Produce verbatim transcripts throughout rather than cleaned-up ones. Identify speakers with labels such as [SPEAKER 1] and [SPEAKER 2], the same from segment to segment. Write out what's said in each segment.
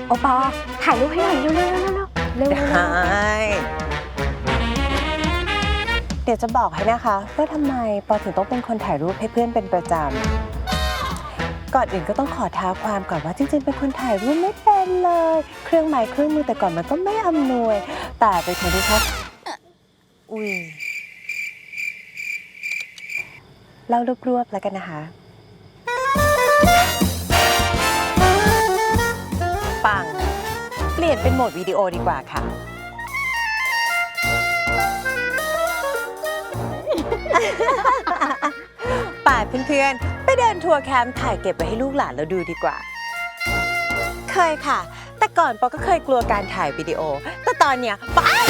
[SPEAKER 1] โอปอถ่ายรูปให้หน่อยเร็วเร็วเร็วเร็วเร็ว
[SPEAKER 2] ได้เดี๋ยวจะบอกให้นะคะว่าทำไมปอถึงต้องเป็นคนถ่ายรูปให้เพื่อนเป็นประจำก่อนอื่นก็ต้องขอท้าความก่อนว่าจริงๆเป็นคนถ่ายรูปไม่เป็นเลยเครื่องไม้เครื่องมือแต่ก่อนมันก็ไม่อำนวยแต่เป็นคนที่ชอบอุ้ยเล่ารวบๆแล้วกันนะคะปังเปลี่ยนเป็นโหมดวิดีโอดีกว่าค่ะ ป่าเพื่อนๆไปเดินทัวร์แคมป์ถ่ายเก็บไว้ให้ลูกหลานเราดูดีกว่า เคยค่ะ แต่ก่อนปอก็เคยกลัวการถ่ายวิดีโอ แต่ตอนเนี้ยปอ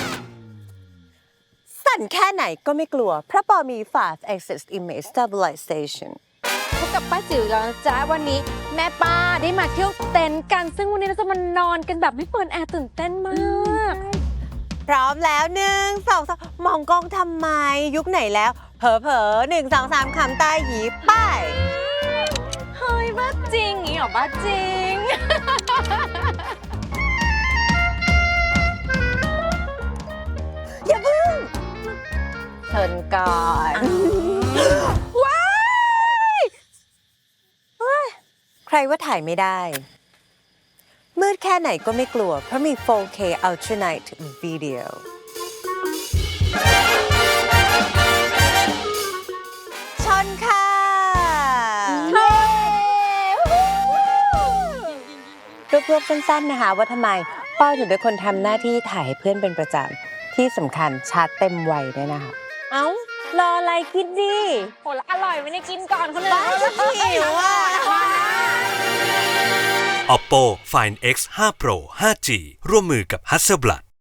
[SPEAKER 2] สั่นแค่ไหนก็ไม่กลัว เพราะปอมี five axis image stabilization
[SPEAKER 1] พบกับป้าจิ๋วแล้วนะจ๊ะวันนี้แม่ป้าได้มาเที่ยวเต็นท์กันซึ่งวันนี้เราจะมานอนกันแบบไม่เปิดแอร์ตื่นเต้นมาก
[SPEAKER 2] พร้อมแล้วหนึ่งสองสามมองกล้องทำไมยุคไหนแล้ว เผลอเผลอหนึ่งสองสามคำตาหยีไป้าย
[SPEAKER 1] เฮ้ยบ้าจริงอีหรอบ้าจริง
[SPEAKER 2] อย่าเพิ่งเชิญก่อน
[SPEAKER 1] ว้าย
[SPEAKER 2] ใครว่าถ่ายไม่ได้ มืดแค่ไหนก็ไม่กลัว เพราะมี โฟร์เค Ultra Night Video ชนค่ะรวบๆสั้นๆนะคะว่าทำไมป้อถึงเป็นคนทำหน้าที่ถ่ายให้เพื่อนเป็นประจำที่สำคัญชาร์จเต็มวัยด้วยนะคะ เอ้ารออะไรกินดิ
[SPEAKER 1] โหแล้วอร่อยไม่ได้กินก่อนคนอื่น
[SPEAKER 2] บ้าหิวอ่ะ
[SPEAKER 3] Oppo Find X ไฟว์ Pro ไฟว์จี ร่วมมือกับ Hasselblad